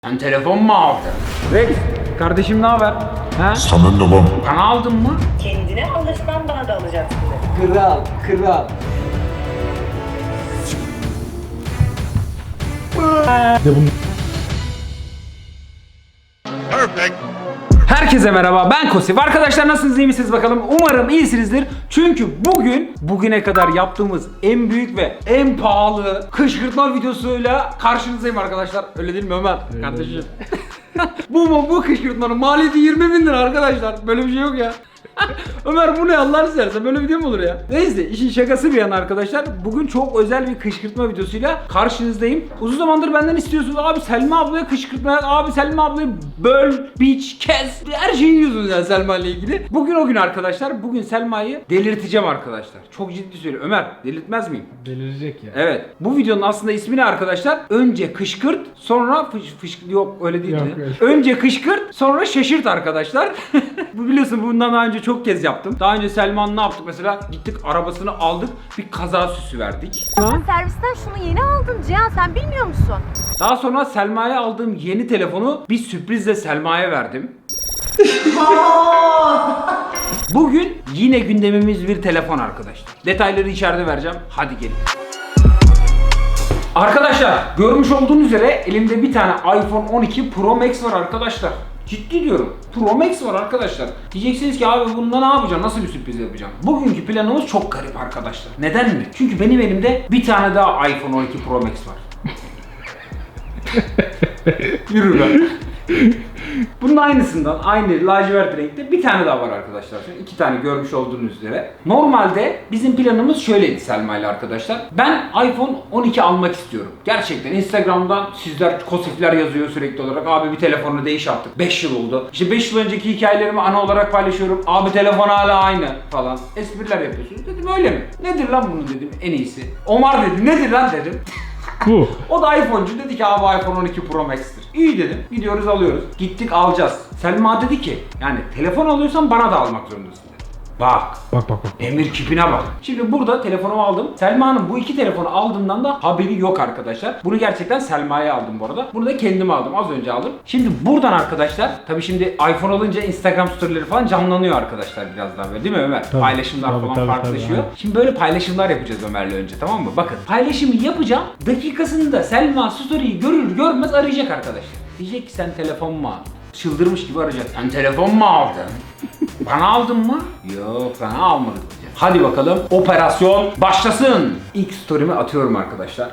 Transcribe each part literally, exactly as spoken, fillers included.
Sen telefon mu aldın? Rex, kardeşim ne haber? He? Sana ne lan? Bana aldın mı? Kendine alırsan bana da alacaksın. Kral, kral. Perfect. Herkese merhaba, ben Kosif. Arkadaşlar nasılsınız, iyi misiniz bakalım? Umarım iyisinizdir. Çünkü bugün, bugüne kadar yaptığımız en büyük ve en pahalı kışkırtma videosuyla karşınızdayım arkadaşlar. Öyle değil mi Ömer? Kardeşim. bu mu? Bu kışkırtmanın maliyeti yirmi bin lira arkadaşlar. Böyle bir şey yok ya. Ömer bu ne Allah'ını seversen, böyle video mu olur ya? Neyse, işin şakası bir yana arkadaşlar. Bugün çok özel bir kışkırtma videosuyla karşınızdayım. Uzun zamandır benden istiyorsunuz, abi Selma ablaya kışkırtma yap, abi Selma ablayı böl, biç, kes, her şeyi yiyorsunuz yani Selma ile ilgili. Bugün o gün arkadaşlar. Bugün Selma'yı delirteceğim arkadaşlar. Çok ciddi söylüyorum. Ömer, delirtmez miyim? Delirecek ya. Evet. Bu videonun aslında ismi ne arkadaşlar? Önce kışkırt, sonra fış fış yok öyle değil Yok, mi? öyle. Önce kışkırt, sonra şaşırt arkadaşlar. Bu biliyorsun, bundan daha önce çok kez yaptım. Daha önce Selma'nın ne yaptık mesela? Gittik arabasını aldık, bir kaza süsü verdik. Servisten şunu yeni aldın Cihan, sen bilmiyor musun? Daha sonra Selma'ya aldığım yeni telefonu bir sürprizle Selma'ya verdim. Bugün yine gündemimiz bir telefon arkadaşlar. Detayları içeride vereceğim. Hadi gelin. Arkadaşlar görmüş olduğunuz üzere elimde bir tane iPhone on iki Pro Max var arkadaşlar. Ciddi diyorum. Pro Max var arkadaşlar. Diyeceksiniz ki abi bunda ne yapacağım? Nasıl bir sürpriz yapacağım? Bugünkü planımız çok garip arkadaşlar. Neden mi? Çünkü benim elimde bir tane daha iPhone on iki Pro Max var. Yürü lan. Bunun aynısından, aynı lacivert renkte bir tane daha var arkadaşlar. Şimdi iki tane görmüş olduğunuz üzere. Normalde bizim planımız şöyleydi Selma ile arkadaşlar. Ben iPhone on iki almak istiyorum. Gerçekten Instagram'dan sizler, Kosifler yazıyor sürekli olarak. Abi bir telefonu değiş artık. beş yıl oldu. İşte beş yıl önceki hikayelerimi ana olarak paylaşıyorum. Abi telefon hala aynı falan. Espriler yapıyorsunuz. Dedim öyle mi? Nedir lan bunun dedim en iyisi. Omar dedi nedir lan dedim. Bu. O da iPhone'cu, dedi ki abi iPhone on iki Pro Max'tir. İyi dedim. Gidiyoruz alıyoruz. Gittik alacağız. Selma dedi ki yani telefon alıyorsan bana da almak zorundasın dedi. Bak. Bak bak bak. Emir kipine bak. Şimdi burada telefonumu aldım. Selma'nın bu iki telefonu aldığımdan da haberi yok arkadaşlar. Bunu gerçekten Selma'ya aldım bu arada. Bunu da kendim aldım. Az önce aldım. Şimdi buradan arkadaşlar, tabii şimdi iPhone alınca Instagram storyleri falan canlanıyor arkadaşlar biraz daha böyle değil mi Ömer? Tabii, Paylaşımlar tabii, falan tabii, farklılaşıyor. tabii, Şimdi böyle paylaşımlar yapacağız Ömer'le önce, tamam mı? Bakın paylaşımı yapacağım. Dakikasında Selma story'yi görür görmez arayacak arkadaşlar. Diyecek ki sen telefon mu aldın? Çıldırmış gibi arayacak. Sen telefon mu aldın? Bana aldın mı? Yok, sana almadık diyeceğiz. Hadi bakalım operasyon başlasın. İlk story'mi atıyorum arkadaşlar.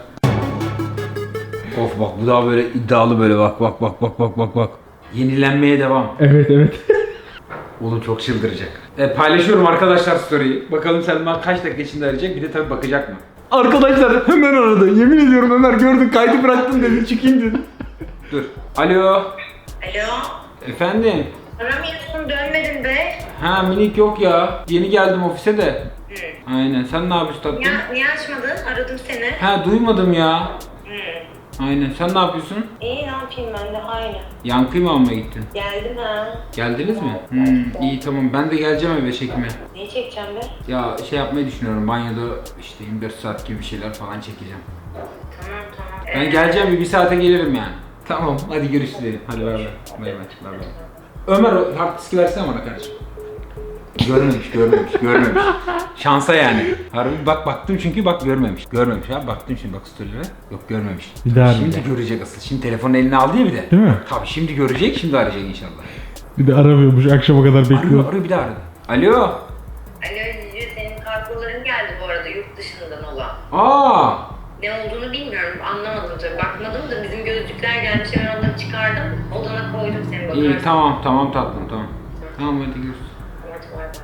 Of bak bu daha böyle iddialı, böyle bak bak bak bak bak bak bak. Yenilenmeye devam. Evet evet. Oğlum çok çıldıracak. E, paylaşıyorum arkadaşlar story'yi. Bakalım Selma kaç dakika içinde arayacak, bir de tabii bakacak mı? Arkadaşlar hemen aradı. Yemin ediyorum Ömer, gördün kaydı bıraktım dedi, çıkayım dedi. Dur. Alo. Alo? Efendim. Aramıyorsun, dönmedin be. Ha minik yok ya. Yeni geldim ofise de. Hı. Aynen. Sen ne yapıyorsun tatlım? Niye, niye açmadın? Aradım seni. Ha duymadım ya. Hı. Aynen. Sen ne yapıyorsun? İyi, ne yapayım ben de aynı. Yankıyı mı almaya gittin? Geldim ha. Geldiniz mi? Hmm, iyi tamam. Ben de geleceğim eve çekime. Neyi çekeceğim be? Ya şey yapmayı düşünüyorum. Banyoda işte yirmi dört saat gibi bir şeyler falan çekeceğim. Tamam tamam. Ben geleceğim, bir, bir saate gelirim yani. Tamam hadi görüşürüz. Hadi bay bay. Bay bay. Bay bay. Ömer o hard diski versene bana kardeşim. Görmemiş, görmemiş, görmemiş. Şansa yani. Harbi bak baktım çünkü bak görmemiş. Görmemiş ha, baktım şimdi bak story'lere. Yok görmemiş. Bir daha Şimdi arayacak. görecek asıl. Şimdi telefonu eline aldı ya bir de. Değil mi? Tabii şimdi görecek, şimdi arayacak inşallah. Bir de aramıyormuş, akşama kadar Arıyor, bekliyor. arıyor bir daha aradı. Alo. Alo Cici, senin kargoların geldi bu arada yurt dışından olan. Aa. Ne olduğunu bilmiyorum, anlamadım tabii. Bakmadım da bizim gözlükler gelmiş, hemen onları çıkardım. Odana koydum, seni bakarsın. İyi tamam tamam tatlım tamam. Tamam hadi görüşürüz. Hadi bay bay.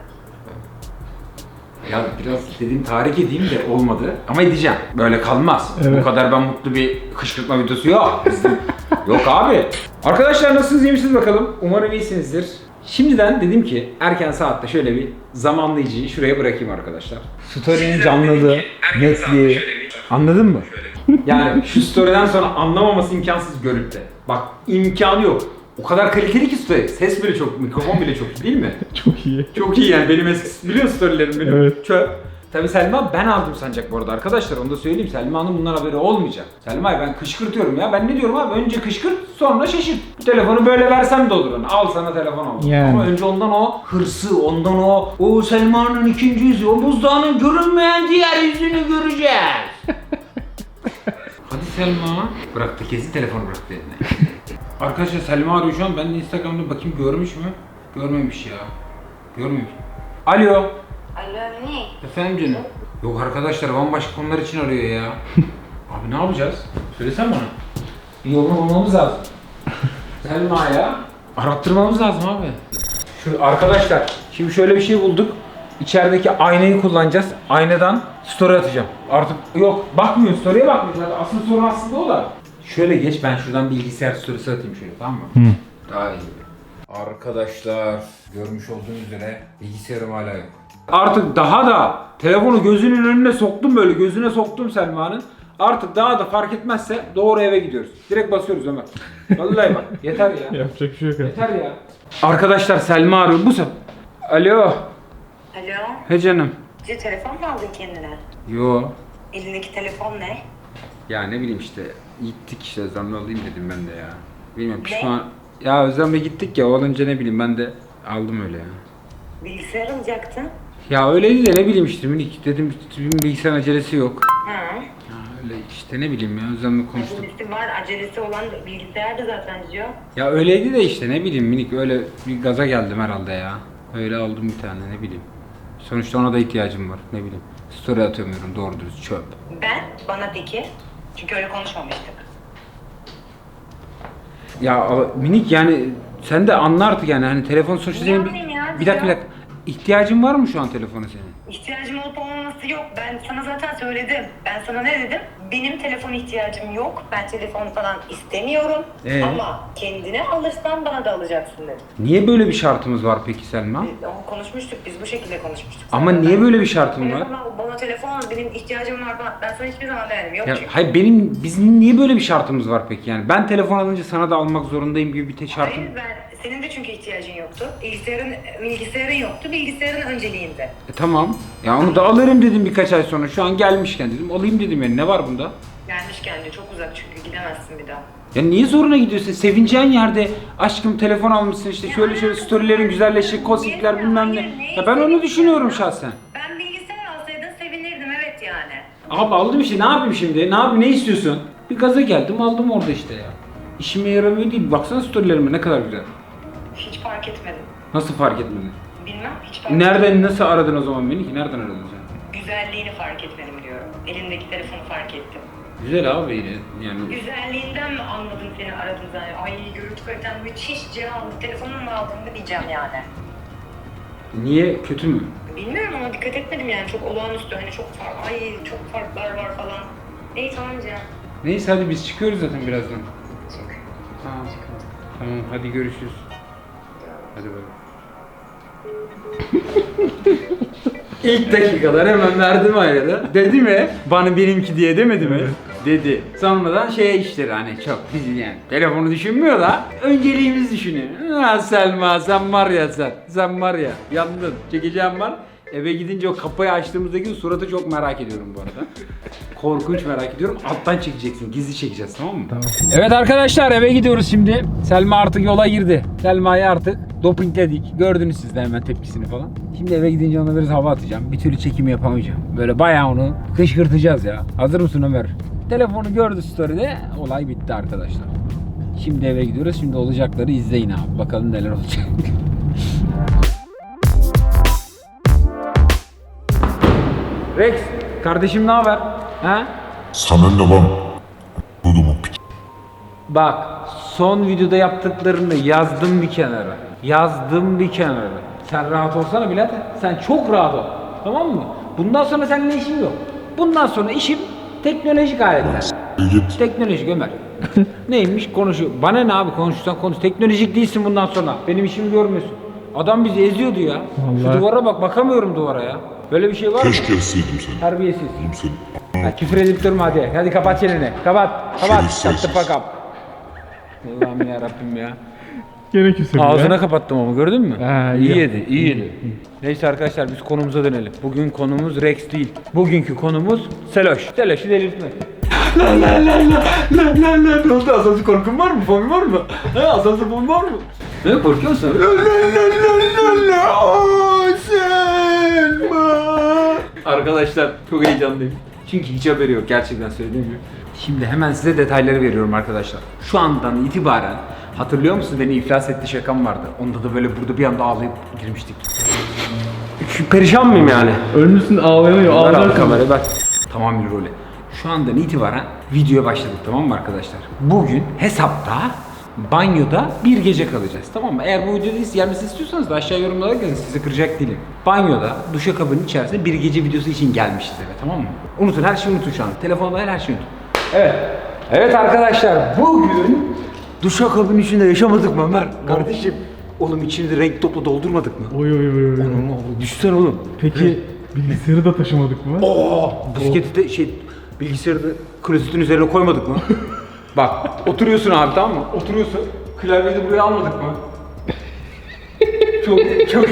Ya biraz dediğim tahrik edeyim de olmadı. Ama edeceğim. Böyle kalmaz. Evet. Bu kadar ben mutlu bir kışkırtma videosu yok. Bizim... yok abi. Arkadaşlar nasılsınız, iyi misiniz bakalım? Umarım iyisinizdir. Şimdiden dedim ki erken saatte şöyle bir zamanlayıcıyı şuraya bırakayım arkadaşlar. Story'nin canlılığı, netliği. Anladın mı? Yani şu story'den sonra anlamaması imkansız görüntü. Bak imkanı yok. O kadar kaliteli ki story. Ses bile çok, mikrofon bile çok iyi değil mi? Çok iyi. Çok iyi yani, benim eski biliyorsun storylerim benim. Evet. Çöp. Tabii Selma ben aldım sanacak bu arada arkadaşlar, onu da söyleyeyim. Selma'nın bundan haberi olmayacak. Selma'yı ben kışkırtıyorum ya. Ben ne diyorum abi? Önce kışkırt, sonra şaşırt. Bu telefonu böyle versem de olur. Hani al sana telefon al. Yani. Ama önce ondan o hırsı, ondan o o Selma'nın ikinci yüzü, o buzdağının görünmeyen diğer yüzünü göreceğiz. Hadi Selma. Bıraktı, kesin telefonu bıraktı eline. Arkadaşlar Selma arıyor şu an. Ben de Instagram'da bakayım görmüş mü? Görmemiş ya. Görmemiş. Alo. Alo ne? Efendim canım. Yok arkadaşlar, bambaşka konular için arıyor ya. Abi ne yapacağız? Söylesene bana. Bir yolunu bulmamız lazım. Selma'ya arattırmamız lazım abi. Şu arkadaşlar, şimdi şöyle bir şey bulduk. İçerideki aynayı kullanacağız. Aynadan story atacağım. Artık yok, bakmıyor, story'e bakmıyor. Zaten asıl sorun aslında o da. Şöyle geç, ben şuradan bilgisayar story'si atayım şöyle, tamam mı? Hı. Daha iyi. Arkadaşlar, görmüş olduğunuz üzere bilgisayarım hala yok. Artık daha da telefonu gözünün önüne soktum, böyle gözüne soktum Selma'nın. Artık daha da fark etmezse doğru eve gidiyoruz. Direkt basıyoruz Ömer. Vallahi bak, yeter ya. Yapacak bir şey yok. Yeter ya. Arkadaşlar Selma arıyor. Bu sefer. Alo. Alo. He canım. Bir telefon mu aldın kendine? Yo. Elindeki telefon ne? Ya ne bileyim işte. Gittik işte, Özlem'le alayım dedim ben de ya. Bilmiyorum Ne? pişman. Ya Özlem'le gittik ya, olunca ne bileyim ben de aldım öyle ya. Bilgisayar alacaktın. Ya öyleydi de ne bileyim işte minik dedim, bilgisayarın acelesi yok. Ha. Ya öyle işte ne bileyim ya, Özlem'le konuştuk. Acelesi var. Acelesi olan bilgisayarda zaten diyor. Ya öyleydi de işte ne bileyim minik, öyle bir gaza geldim herhalde ya. Öyle aldım bir tane, ne bileyim. Sonuçta ona da ihtiyacım var, ne bileyim. Story atamıyorum doğru dürüst, çöp. Ben? Bana peki? Çünkü öyle konuşmamıştık. Ya a- minik yani sen de anla artık yani, hani telefon sonuçta Ne senin bir, yapayım ya, bir dakika bir ya? dakika. İhtiyacın var mı şu an telefona senin? İhtiyacım olup olmaması yok. Ben sana zaten söyledim. Ben sana ne dedim? Benim telefon ihtiyacım yok. Ben telefon falan istemiyorum. Ee? Ama kendine alırsan bana da alacaksın dedim. Niye böyle bir şartımız var peki Selma? Biz onu konuşmuştuk. Biz bu şekilde konuşmuştuk. Ama zaten. niye böyle bir şartım var? Telefon al, bana telefon al. Benim ihtiyacım var falan. Ben sana hiçbir zaman demedim. Yok Ya çünkü. hayır, benim bizim niye böyle bir şartımız var peki yani? Ben telefon alınca sana da almak zorundayım gibi bir tek şartım. Hayır, ben senin de çünkü ihtiyacın yoktu. Bilgisayarın bilgisayarın yoktu. Bilgisayarın önceliğinde. E tamam. Ya onu da alırım dedim birkaç ay sonra. Şu an gelmişken dedim alayım dedim yani, ne var bunda? Gelmişken de çok uzak çünkü gidemezsin bir daha. Ya niye zoruna gidiyorsun? Sevineceğin yerde aşkım telefon almışsın işte, şöyle şöyle storylerin güzelleşecek, kosikler bilmem ne. Ya ben onu düşünüyorum şahsen. Ben bilgisayar alsaydın sevinirdim evet yani. Abi aldım işte, ne yapayım şimdi? Ne yapayım, ne istiyorsun? Bir gaza geldim aldım orada işte ya. İşime yaramıyor değil. Baksana storylerime ne kadar güzel. Hiç fark etmedim. Nasıl fark etmedin? Bilmem hiç fark etmedim. Nereden nasıl aradın o zaman beni ki? Nereden aradın sen? Güzelliğini fark etmedim diyorum. Elindeki telefonu fark ettim. Güzel abi yine yani. Güzelliğinden mi anladım seni aradım zaten? Ay görüntü kaliten müthiş Cihan. Telefonunu mu aldın da diyeceğim yani. Niye, kötü mü? Bilmiyorum ama dikkat etmedim yani. Çok olağanüstü hani çok fark, ay çok farklar var falan. Neyse tamam Cihan. Neyse hadi biz çıkıyoruz zaten birazdan. Çık. Tamam. Tamam hadi görüşürüz. Hadi bakalım. İlk dakikalar hemen verdim ayarı. Dedi mi? Bana benimki diye demedi mi? Dedi. Sonradan şey işleri hani çok bizi yani telefonu düşünmüyor da önceliğimizi düşünüyor. Ha Selma sen var ya sen. Sen var ya yandın. Çekeceğim var. Eve gidince o kapıyı açtığımızdaki suratı çok merak ediyorum bu arada. Korkunç merak ediyorum. Alttan çekeceksin. Gizli çekeceğiz, tamam mı? Tamam. Evet arkadaşlar, eve gidiyoruz şimdi. Selma artık yola girdi. Selma'yı artık dopingledik. Gördünüz siz de hemen tepkisini falan. Şimdi eve gidince ona biraz hava atacağım. Bir türlü çekim yapamayacağım. Böyle bayağı onu kışkırtacağız ya. Hazır mısın Ömer? Telefonu gördü story'de. Olay bitti arkadaşlar. Şimdi eve gidiyoruz. Şimdi olacakları izleyin abi. Bakalım neler olacak. Rex, kardeşim ne haber? Ha? Sana ne lan? Dudumu piç. Bak, son videoda yaptıklarını yazdım bir kenara. Yazdım bir kenara. Sen rahat olsana birader. Sen çok rahat ol. Tamam mı? Bundan sonra seninle işim yok. Bundan sonra işim teknolojik aletler. Git. Teknolojik Ömer. Neymiş konuşuyor. Bana ne abi, konuşursan konuş. Teknolojik değilsin bundan sonra. Benim işimi görmüyorsun. Adam bizi eziyordu ya. Şu Vallahi. duvara bak, bakamıyorum duvara ya. Böyle bir şey var mı? Keşke etseydim seni. Terbiyesiz. Oğlum seni. Ha, küfür edip durma hadi. Hadi kapat çeneni. Kapat. Kapat. Şerefsiz. Shut the fuck up. Allah'ım ya Rabbim ya. Gene küsüm ya. Ağzına kapattım ama gördün mü? Ha, iyi iyi. yedi, iyi yedi. Neyse arkadaşlar biz konumuza dönelim. Bugün konumuz Rex değil. Bugünkü konumuz Seloş. Seloş'u delirtmek. La la la la la la la. Ne oldu? Asansör korkun var mı? Fobi var mı? He asansör fobi var mı? Ne korkuyor musun? La la la la la Selma. Arkadaşlar çok heyecanlıyım. Çünkü hiç haberi yok gerçekten söylediğim gibi. Şimdi hemen size detayları veriyorum arkadaşlar. Şu andan itibaren hatırlıyor musun beni iflas etti şakam vardı. Onda da böyle burada bir anda ağlayıp girmiştik. Şu perişan mıyım yani? Ölmüşsün ağlayamıyor. Ver abi Ağlar kamerayı ver. Tamam bir role. Şu andan itibaren videoya başladık tamam mı arkadaşlar? Bugün hesapta banyoda bir gece kalacağız tamam mı? Eğer bu videoda gelmesini istiyorsanız da aşağı yorumlara yazın sizi kıracak değilim. Banyoda duşakabının içerisinde bir gece videosu için gelmişiz eve tamam mı? Unutun her şeyi unutun şu an. Telefonda her şeyi unutun. Evet. Evet arkadaşlar bugün duşakabının içinde yaşamadık mı Ömer? Kardeşim. Oğlum içini de renk topla doldurmadık mı? Oy oy oy oy. Oğlum oğlum düşsene oğlum. Peki bilgisayarı da taşımadık mı? Oo, bisikleti de şey bilgisayarı da klozetin üzerine koymadık mı? Bak oturuyorsun abi tamam mı? Oturuyorsun. Klavyeyi de buraya almadık mı? çok çok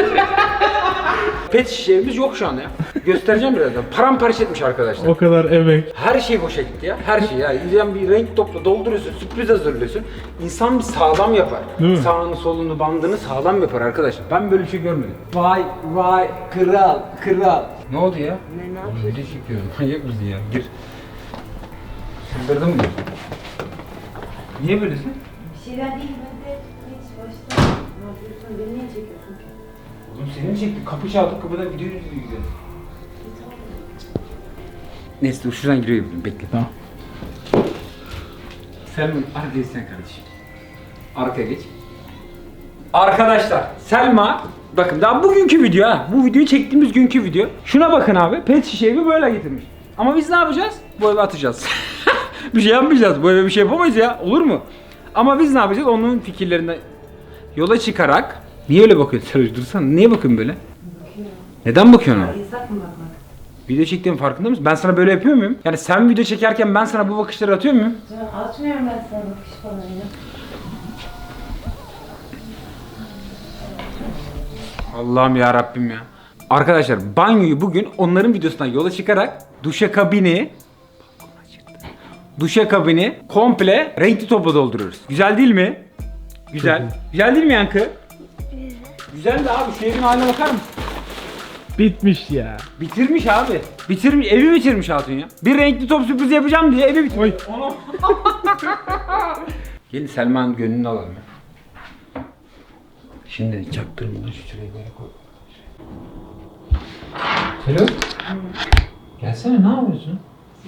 Pet şişemiz yok şu an ya. Göstereceğim birazdan. Paramparça etmiş arkadaşlar. O kadar emek. Her şey boşa gitti ya. Her şey yani. İzleyen bir renk topla dolduruyorsun, sürpriz hazırlıyorsun. İnsan bir sağlam yapar. Değil mi? Sağını solunu bandını sağlam yapar arkadaşlar. Ben böyle bir şey görmedim. Vay vay kral kral. Ne oldu ya? Ne, ne yapıyorsun? Video çekiyorum. Manyak mısın ya? Gir. Sındırdın mı? Niye böylesin? Bir şeyler değil ben de hiç başta. Ne yapıyorsun? Beni niye çekiyorsun ki? Oğlum seni mi çekti? Kapı çaldık kapıdan video izliyor. Neyse dur şuradan giriyor bekle. Tamam. Selma arkaya sen kardeşim. Arkaya geç. Arkadaşlar Selma bakın daha bugünkü video ha. Bu videoyu çektiğimiz günkü video. Şuna bakın abi. Pet şişeyi böyle getirmiş. Ama biz ne yapacağız? Bu eve atacağız. bir şey yapmayacağız. Bu eve bir şey yapamayız ya. Olur mu? Ama biz ne yapacağız? Onun fikirlerinden yola çıkarak. Niye öyle bakıyorsun Seroj? Dursana. Niye bakıyorsun böyle? Bakıyorum. Neden bakıyorsun ona? Yasak mı bakmak? Video çektiğimin farkında mısın? Ben sana böyle yapıyor muyum? Yani sen video çekerken ben sana bu bakışları atıyor muyum? Canım atmıyorum ben sana bakış falan ya. Allah'ım ya Rabbim ya. Arkadaşlar banyoyu bugün onların videosundan yola çıkarak duşakabini duşakabini komple renkli topla dolduruyoruz. Güzel değil mi? Güzel. Çok iyi. Güzel değil mi Yankı? Güzel. Güzel de abi şu evin haline bakar mısın? Bitmiş ya. Bitirmiş abi. Bitirmiş, evi bitirmiş Hatun ya. Bir renkli top sürprizi yapacağım diye evi bitirmiş. Oy. Gelin Selma'nın gönlünü alalım ya. Şimdi çaktırmadan şu şuraya böyle koy. Selo. Gelsene ne yapıyorsun?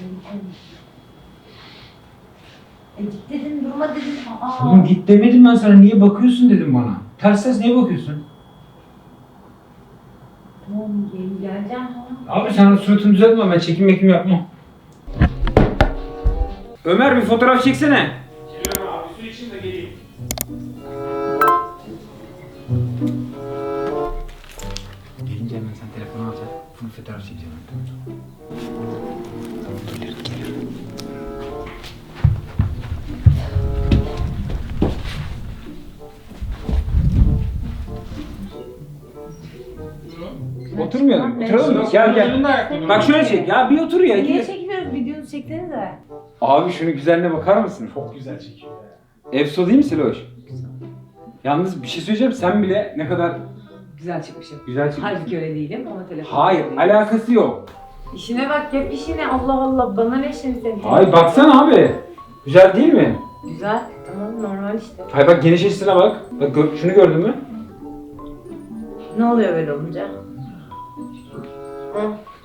E git dedim durma dedim. Aa. Oğlum git demedim ben sana niye bakıyorsun dedim bana. Ters ters niye bakıyorsun? Tamam gel, geleceğim tamam. Abi sen suratını düzeltme ben çekim mekim yapmam. Ömer bir fotoğraf çeksene. Geliyorum abi su için de geleyim. Gelince hemen sen telefonu alacaksın. Full fotoğraf çekeceğim. Gelir gelir. Oturmayalım. Oturalım mı? Gel gel. Bak şöyle çek ya bir otur ya. Niye çekmiyoruz? Videonuzu çeksenize. Abi şunun güzelliğine bakar mısın? Çok güzel çekiyor ya. Efso değil mi Seloş? Yalnız bir şey söyleyeceğim sen bile ne kadar Güzel çıkmışım. güzel çıkmışsın. Halbuki öyle değilim ama telefon. Hayır alakası yok. İşine bak yap işine Allah Allah bana ne şimdi senin? Hayır baksana abi. Güzel değil mi? Güzel tamam normal işte. Hayır bak geniş açısına bak. Bak gör- şunu gördün mü? Ne oluyor böyle olunca? Hı?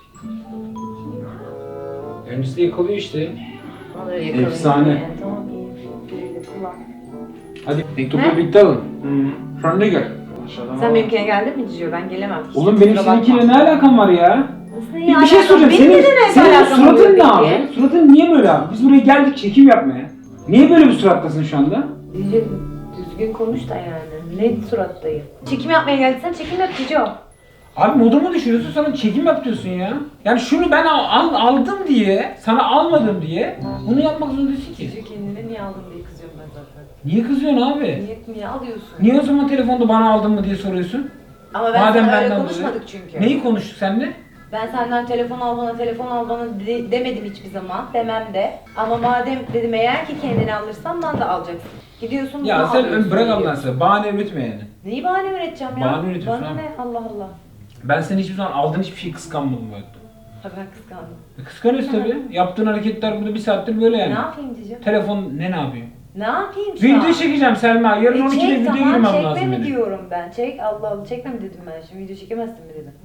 Öncesi de yakalıyor işte. Ne oluyor yakalayın. Efsane. Yani, tamam iyi. Güle kullan. Hadi mektubu Ne? birlikte alın. Hı. Şu ne gel. Sen benimkine geldin mi Cicio? Ben gelemem. Oğlum benim Kusura bakma. seninkiyle ne alakam var ya? Nasıl Bir, ya? bir şey soracağım. Benim Senin, de ne senin alakam suratın oluyor ne abi? peki? Suratın niye böyle abi? Biz buraya geldik çekim yapmaya. Niye böyle bir surattasın şu anda? Cicio düzgün konuş da yani. Ne surattayım? Çekim yapmaya geldiysen çekim yap Cicio. Abi modumu düşürüyorsun sana çekim yap diyorsun ya. Yani şunu ben al, al- aldım diye, sana almadım diye bunu yapmak zorundasın ki. Cicio kendine niye aldın diye kızıyorum ben zaten. Niye kızıyorsun abi? Niye, niye alıyorsun? Niye o zaman telefonda bana aldın mı diye soruyorsun? Ama ben Madem sana öyle benden konuşmadık dolayı. çünkü. Neyi konuştuk seninle? Ben senden telefon al bana, telefon al bana de- demedim hiçbir zaman. Demem de. Ama madem dedim eğer ki kendini alırsan bana da alacaksın. Gidiyorsun Ya bunu sen alıyorsun, bırak Allah'ını geliyorsun. seversen. Bahane üretme yani. Neyi bahane üreteceğim ya? Bahane üretiyorsun Bana abi. ne? Allah Allah. Ben seni hiçbir zaman aldığın hiçbir şeyi kıskanmadım bu hayatta. Ha ben kıskandım. E, Kıskanıyoruz tabii. Yaptığın hareketler burada bir saattir böyle yani. Ne yapayım diyeceğim? Telefon ne ne yapıyor? Ne yapayım şu an? Video çekeceğim Selma. Yarın E on ikide çek video tamam girmem çekme lazım mi benim. diyorum ben. Çek Allah Allah çekme mi dedim ben şimdi video çekemezsin mi dedim.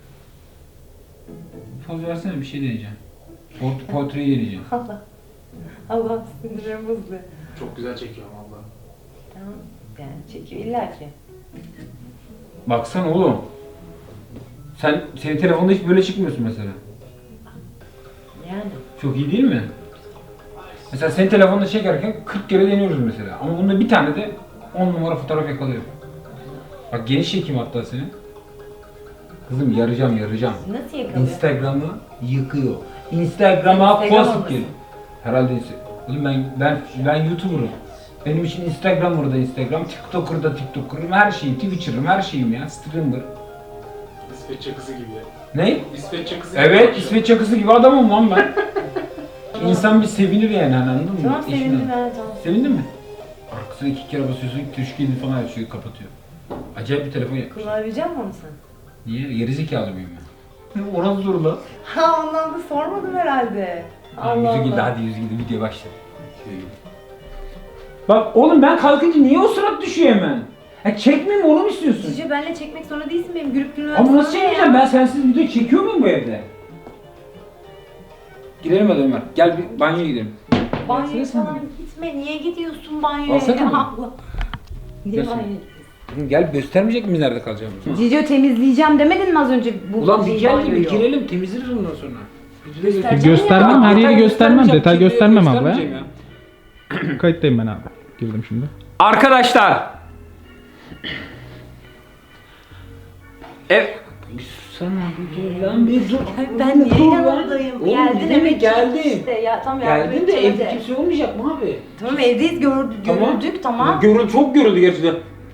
Poz versene bir şey deneyeceğim. Port portreyi deneyeceğim. Allah. Allah sinirim bozdu. Çok güzel çekiyorum valla. Tamam yani çekiyor illa ki. Baksana oğlum. Sen senin telefonda hiç böyle çıkmıyorsun mesela. Yani. Çok iyi değil mi? Mesela senin telefonda çekerken kırk kere deniyoruz mesela. Ama bunda bir tane de on numara fotoğraf yakalıyor. Bak geniş çekeyim hatta seni. Kızım yarayacağım yarayacağım. Nasıl yakalıyor? Instagram'ı yıkıyor. Instagram'a Instagram post olmasın. gel. Herhalde Insta- Oğlum ben ben ben YouTuber'ım. Benim için Instagram orada Instagram, TikToker'da TikToker'ım, her şeyim, Twitcher'ım, her şeyim ya, streamer. İsveç çakısı gibi ya. Ne? İsveç çakısı gibi. Evet, konuşuyor. İsveç çakısı gibi adamım lan ben. İnsan bir sevinir yani hani anladın mı? Tamam Eşine. sevindim ben tamam. Sevindin mi? Arkasına iki kere basıyorsun, tuşkili falan açıyor, kapatıyor. Acayip bir telefon yapmış. Kullanabilecek misin onu sen? Niye? Gerizekalı mıyım ben? O nasıl soru lan? Ha ondan da sormadım herhalde. Allah Yüzü gidi, Allah. hadi yüzü gidi, video başla. Bak oğlum ben kalkınca niye o surat düşüyor hemen? Ha çekmeyeyim mi onu mu istiyorsun? Sizce benle çekmek zorunda değilsin benim gülüp gülmem Ama nasıl sana ne çekmeyeceğim? ya? Ben sensiz video çekiyor muyum bu evde? Gidelim hadi Ömer. Gel bir banyoya gidelim. Banyoya Gelsene sen falan bir. gitme. Niye gidiyorsun banyoya? Alsana ya? mı? Allah. Niye Gelsene. banyoya Oğlum gel göstermeyecek miyiz nerede kalacağımızı? Cicio temizleyeceğim demedin mi az önce bu Ulan bir gel de bir banyoyu? girelim temizleriz ondan sonra. Göstereceğim Göstermem, Ya, her yeri detay göstermem, göstermeyeceğim, detay kimseye göstermem abla. göstermeyeceğim ya. Kayıttayım ben abi. Girdim şimdi. Arkadaşlar. Ev... Sana bir dur lan bir dur. Ben niye Dur lan. yanındayım? Oğlum Geldin ne demek eve geldin? işte ya tam yardım Geldin de edeceğim evde hadi. kimse olmayacak mı abi? Tamam evdeyiz gördük, Tamam. görüldük tamam. Görül, çok görüldü gerçekten.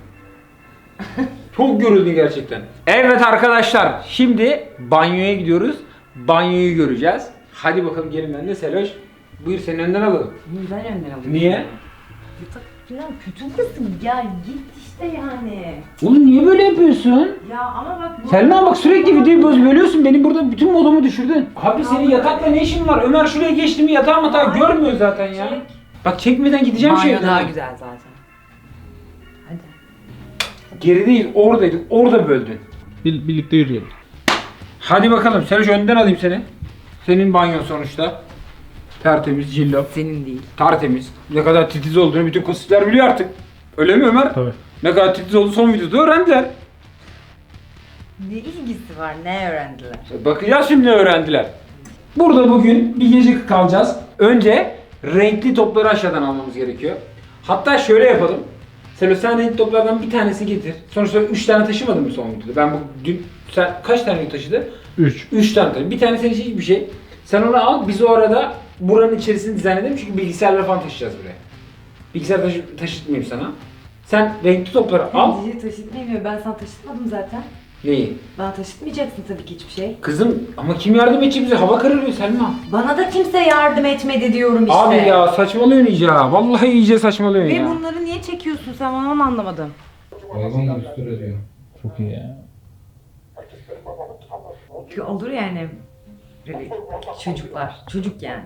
Çok görüldü gerçekten. Evet arkadaşlar şimdi banyoya gidiyoruz. Banyoyu göreceğiz. Hadi bakalım gelin ben de Seloş. Buyur senin önden alalım. Ben önden alayım. Niye? Yatak falan kötü mısın ya git işte yani. Oğlum niye böyle yapıyorsun? Ya ama bak bu... Selma bak sürekli videoyu boz bölüyorsun. Beni burada bütün modumu düşürdün. Abi senin yatakla ne işin var? Ömer şuraya geçti mi yatağı matağı görmüyor zaten ya. Çek. Bak çekmeden gideceğim Banyo şey. daha güzel zaten. Hadi. Geri değil oradaydık. Orada böldün. Bir, birlikte yürüyelim. Hadi bakalım Seloş önden alayım seni. Senin banyon sonuçta. Tertemiz, cillop. Senin değil. Tertemiz. Ne kadar titiz olduğunu bütün kositler biliyor artık. Öyle mi Ömer? Tabii. Ne kadar titiz olduğu son videoda öğrendiler. Ne ilgisi var ne öğrendiler? Bakacağız şimdi ne öğrendiler. Burada bugün bir gece kalacağız. Önce renkli topları aşağıdan almamız gerekiyor. Hatta şöyle yapalım. Selo sen renkli toplardan bir tanesi getir. Sonuçta üç tane taşımadın mı son videoda? Ben bu dün sen kaç tane taşıdı? üç. üç tane taşıdım. Bir tanesi için hiçbir şey. Sen onu al. Biz o arada buranın içerisini dizayn edelim çünkü bilgisayarları falan taşıyacağız buraya. Bilgisayar taşı taşıtmayayım sana. Sen renkli topları al. Cici taşıtmıyor. Ben sana taşıtmadım zaten. Neyi? Bana taşıtmayacaksın tabii ki hiçbir şey. Kızım ama kim yardım edecek bize? Hava kararıyor Selma. Bana da kimse yardım etmedi diyorum işte. Abi ya saçmalıyorsun iyice ha. Vallahi iyice saçmalıyorsun Ve ya. bunları niye çekiyorsun sen bana onu anlamadım. Hayvan gibi üstüne diyor. Çok iyi ya. Çünkü olur yani. Böyle çocuklar. Çocuk yani.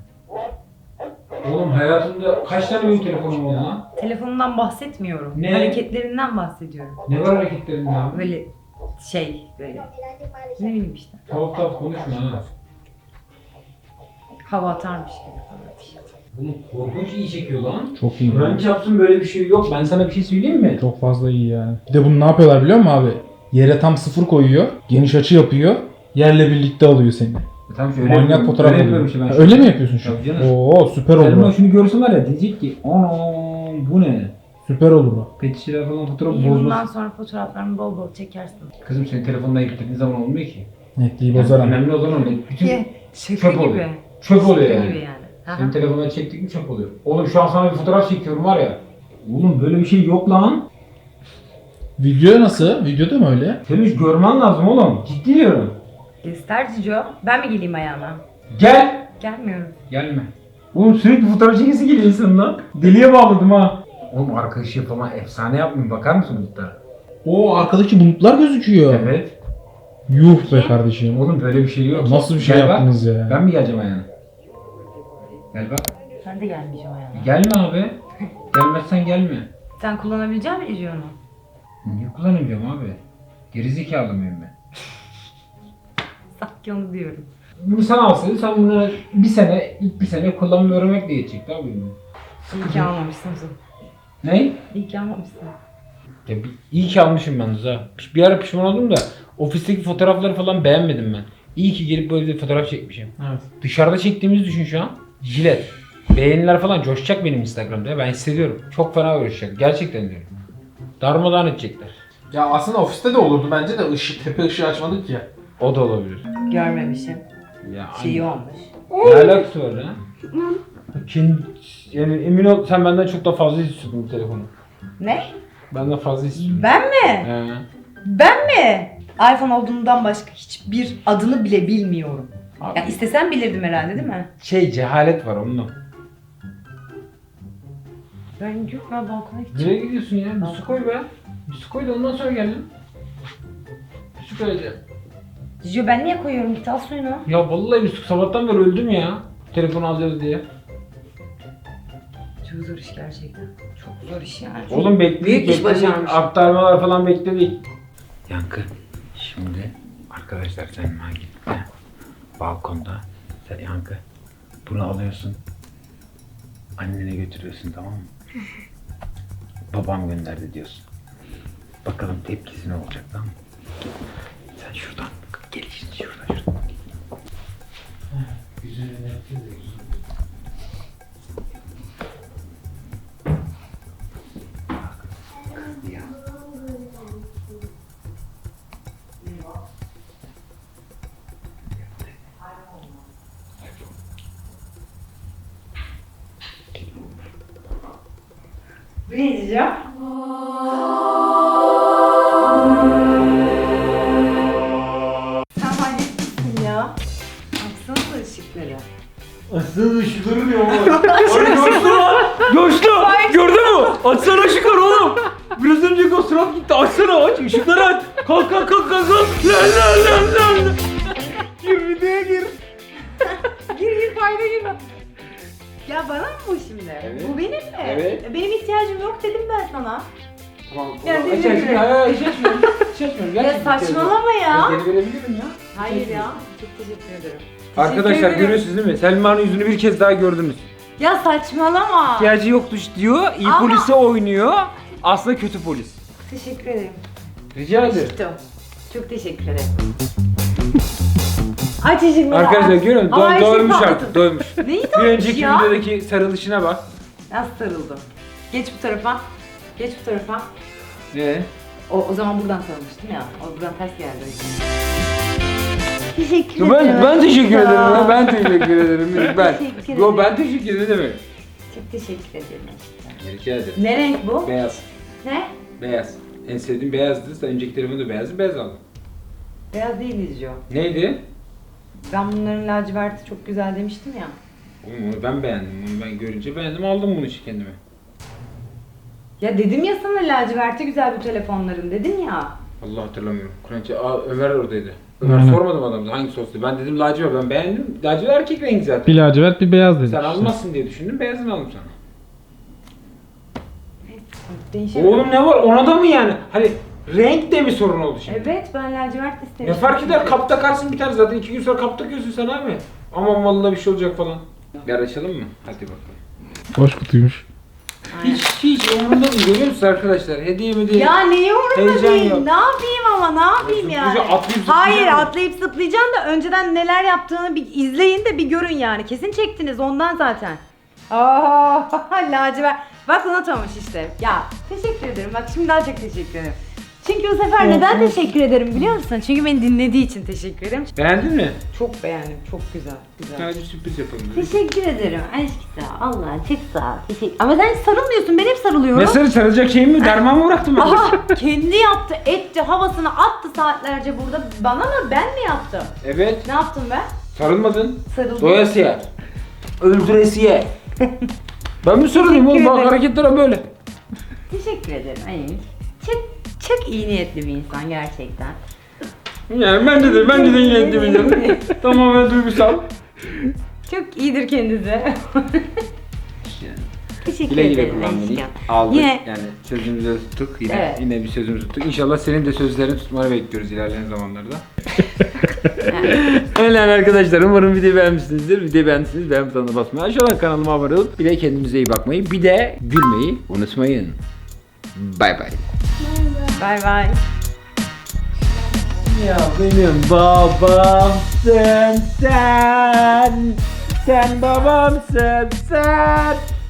Oğlum hayatımda kaç tane büyük telefonum oldu lan? Telefonundan bahsetmiyorum. Ne? Hareketlerinden bahsediyorum. Ne var hareketlerinde abi? Böyle şey böyle. Ne bileyim işte. Tavuk tavuk konuşma ha. Hava atarmış gibi falan. Bunu korkunç iyi çekiyor lan. Çok iyi. Kur'an çarpsın böyle bir şey yok. Ben sana bir şey söyleyeyim mi? Çok fazla iyi yani. Bir de bunu ne yapıyorlar biliyor musun abi? Yere tam sıfır koyuyor. Geniş açı yapıyor. Yerle birlikte alıyor seni. E tamam şöyle Manyak yapıyorum. fotoğraf Öyle alıyor. yapıyorum işte ben. Ha, şu öyle an. mi yapıyorsun şu an? Tabii canım. Oo süper olur. Selma o. şunu görsün var ya diyecek ki anam bu ne? Süper olur o. Pet şişeler falan fotoğraf İyi bundan bozmasın. sonra fotoğraflarımı bol bol çekersin. Kızım senin telefonla yüklediğin zaman olmuyor ki. Netliği Yani bozar ama. önemli olan o. Bütün Şaka çöp gibi. oluyor. Çöp oluyor Şaka yani. gibi yani. Aha. Senin telefonuna çektik mi çöp oluyor. Oğlum şu an sana bir fotoğraf çekiyorum var ya. Oğlum böyle bir şey yok lan. Video nasıl? Videoda mı öyle? Senin görmen lazım oğlum. Ciddi diyorum. Göster Cico. Ben mi geleyim ayağına? Gel. Gelmiyorum. Gelme. Oğlum sürekli fotoğraf çekisi geliyor insandan. Deliye bağladım ha. Oğlum arkadaşı yapama efsane yapmayayım. Bakar mısın bulutlara? O arkadaki bulutlar gözüküyor. Evet. Yuh be kardeşim. Oğlum böyle bir şey yok. Nasıl bir şey Gel bak. yaptınız ya? Ben mi geleceğim ayağına? Gel bak. Ben de gelmeyeceğim ayağına. Gelme abi. Gelmezsen gelme. Sen kullanabilecek misin Cico'nu? Niye kullanacağım abi? Gerizekalı mıyım ben? Sanki onu diyorum. Bunu sen alsaydın sen bunu bir sene, ilk bir sene kullanmayı öğrenmekle geçecekti abi. İyi ki almamışsın Zul. Ne? İyi ki almamışsın. Ya bir, iyi ki almışım ben Rıza. Bir ara pişman oldum da ofisteki fotoğrafları falan beğenmedim ben. İyi ki gelip böyle bir fotoğraf çekmişim. Evet. Dışarıda çektiğimizi düşün şu an. Jilet. Beğeniler falan coşacak benim Instagram'da ya. Ben hissediyorum. Çok fena coşacak. Gerçekten diyorum. Darmadağın edecekler. Ya aslında ofiste de olurdu bence de ışık, tepe ışığı açmadık ya. O da olabilir. Görmemişim. Ya Şeyi olmuş. ne alakası var lan? Kendi, yani emin ol sen benden çok daha fazla istiyordun bu telefonu. Ne? Benden fazla istiyordun. Ben mi? He. Ben mi? iPhone olduğundan başka hiçbir adını bile bilmiyorum. Abi, Ya istesem bilirdim herhalde değil mi? şey cehalet var onunla. Ben yok ben balkona gideceğim. Nereye gidiyorsun ya? Bir su koy be. Bir su koy da ondan sonra geldim. Bir su koyacağım. Cicio ben niye koyuyorum? Git al suyunu. Ya vallahi bir su sabahtan beri öldüm ya. Telefonu alacağız diye. Çok zor iş gerçekten. Çok zor iş yani. Oğlum bekledik. Büyük iş bekledik. başarmış. Aktarmalar falan bekledik. Yankı. Şimdi arkadaşlar sen git. Balkonda. Sen Yankı. Bunu alıyorsun. Annene götürüyorsun tamam mı? Babam gönderdi diyorsun. Bakalım tepkisi ne olacak tamam mı? Sen şuradan gel işte şuradan şuradan. Güzel yapacağız ya. Ya. Bu ne Cicio? Sen halletmişsin ya. Baksana ışıkları. Açsana ışıkları diyor ama. Ay coştu lan. Coştu. Gördün mü? Açsana ışıkları oğlum. Biraz önce o surat gitti. Açsana aç. Işıkları aç. Kalk kalk kalk kalk. kalk. Lan lan lan lan. Gir videoya gir. Gir gir kayda gir. Ya bana mı bu şimdi? Evet. Bu benim mi? Evet. E, Benim ihtiyacım yok dedim ben sana. Tamam. Ya, Aç teşekkür aç. ederim. Hayır hayır hiç açmıyorum. Hiç açmıyorum. Ya Gerçekten saçmalama ya. Geri verebilirim ya. Hayır ya. Çok teşekkür ederim. Arkadaşlar Teşekkür ederim. görüyorsunuz değil mi? Selma'nın yüzünü bir kez daha gördünüz. Ya saçmalama. İhtiyacı yoktu diyor. İyi Ama- polise oynuyor. Aslında kötü polis. Teşekkür ederim. Rica ederim. Çok, çok teşekkür ederim. Aç ışıkları. Arkadaşlar aç. görüyor musun? Ama her Do- şey doymuş patladı. artık, doymuş. Neyi Bir doymuş önceki ya? videodaki sarılışına bak. Nasıl sarıldım? Geç bu tarafa. Geç bu tarafa. Ne? O, o zaman buradan sarılmıştım ya. O buradan ters geldi. Teşekkür Ben, ben teşekkür ederim ya. Ben teşekkür ederim. Ben. Teşekkür Yo ederim. ben teşekkür ederim. Çok teşekkür ederim. Rica ederim. Ne renk bu? Beyaz. Ne? Beyaz. En sevdiğim beyazdı. Sen önceki telefonda beyazdı. Beyaz aldım. Beyaz değil izliyor. Neydi? Ben bunların laciverti çok güzel demiştim ya. Oğlum onu ben beğendim. Onu ben görünce beğendim. Aldım bunu işte kendime. Ya dedim ya sana laciverti güzel bu telefonların dedim ya. Allah hatırlamıyorum. Kur'an-ı Aa, Ömer oradaydı. Ömer Aynen. sormadım adamı hangisi olsun. Ben dedim lacivert ben beğendim. Lacivert erkek rengi zaten. Bir lacivert bir beyaz dedik Sen işte. almazsın diye düşündüm. Beyazını aldım sana. Değişemedim. Oğlum ne var? Ona da mı yani? Hani renk de mi sorun oldu şimdi? Evet ben lacivert Ne istemiştim. fark eder? Kap takarsın biter zaten. iki gün sonra kap takıyorsun sen abi. Aman vallahi bir şey olacak falan. Bir açalım mı? Hadi bakalım. Boş kutuymuş. Aynen. Hiç hiç umurumda değil görüyor musun arkadaşlar? Hediye mi değil? Ya neyi umurumda Heyecan değil? yok. Ne yapayım ama ne yapayım yani? Zıplayacak, atlayıp Hayır zıplayacak mı? atlayıp zıplayacağım da önceden neler yaptığını bir izleyin de bir görün yani. Kesin çektiniz ondan zaten. Aa lacivert. Bak unutmamış işte. Ya teşekkür ederim. Bak şimdi daha çok teşekkür ederim. Çünkü bu sefer neden teşekkür ederim biliyor musun? Çünkü beni dinlediği için teşekkür ederim. Beğendin mi? Çok beğendim, çok güzel. güzel. Sadece sürpriz yapalım dedim. Teşekkür ederim. Aşk sağ ol. Allah çok sağ ol. Teşekkür... Ama sen hiç sarılmıyorsun. Ben hep sarılıyorum. Ne sarı sarılacak şeyim mi? Derman mı bıraktım ben? Aha kendi yaptı, etti, havasını attı saatlerce burada. Bana mı? Ben mi yaptım? Evet. Ne yaptım ben? Sarılmadın. Sarıldım. Doyasıya. Öldüresiye. Ben mi sarılayım oğlum? Teşekkür Bak ederim. hareketler böyle. Teşekkür ederim. Ay, çok, çok iyi niyetli bir insan gerçekten. Yani bence de, bence de yine ettim. Tamamen duygusal. Çok iyidir kendisi. Teşekkür Güle güle ederim. kullan beni. aşkım. Aldık. Yine- Yani sözümüzü tuttuk. Yine Evet. yine bir sözümüzü tuttuk. İnşallah senin de sözlerini tutmanı bekliyoruz ilerleyen zamanlarda. Öyle yani arkadaşlar, umarım videoyu beğenmişsinizdir. Videoyu beğendiyseniz beğen butonuna basmayı, aşağıdan kanalıma abone olup bir de kendinize iyi bakmayı, bir de gülmeyi unutmayın. Bay bay. Bay bay. Ya benim babamsın sen. Sen babamsın sen.